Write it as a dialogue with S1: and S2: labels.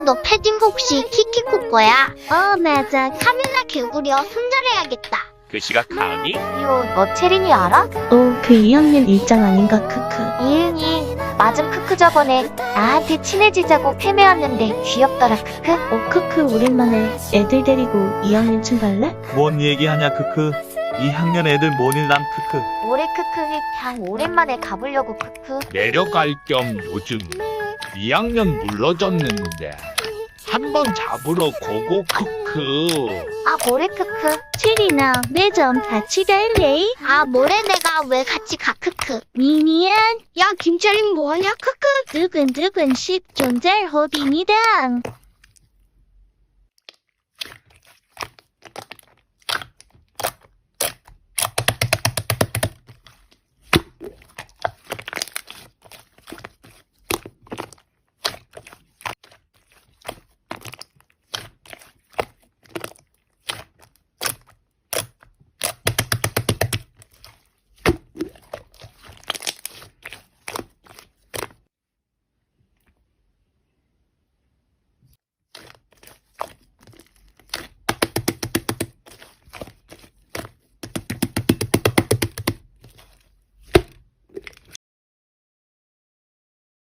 S1: 너 패딩 혹시 키키코 거야? 맞아. 카메라 개구려 손절해야겠다.
S2: 그 시각 가은이
S1: 너 체린이 알아?
S3: 그 2학년 일장 아닌가 크크.
S1: 이은이 맞은 크크 저번에 나한테 친해지자고 패매왔는데 귀엽더라 크크.
S3: 크크 오랜만에 애들 데리고 2학년 춤 갈래?
S4: 뭔 얘기하냐 크크. 2학년 애들 모닐남 크크.
S1: 올해 크크 그냥 오랜만에 가보려고 크크.
S2: 내려갈 겸 요즘 2학년 물러졌는데 한번 잡으러 고고 크크.
S1: 모레 크크.
S3: 체리나 매점 같이 갈래?
S1: 모레 내가 왜 같이 가 크크.
S3: 미니안
S1: 야 김철인 뭐하냐 크크.
S3: 두근두근 10존잘 호비니다.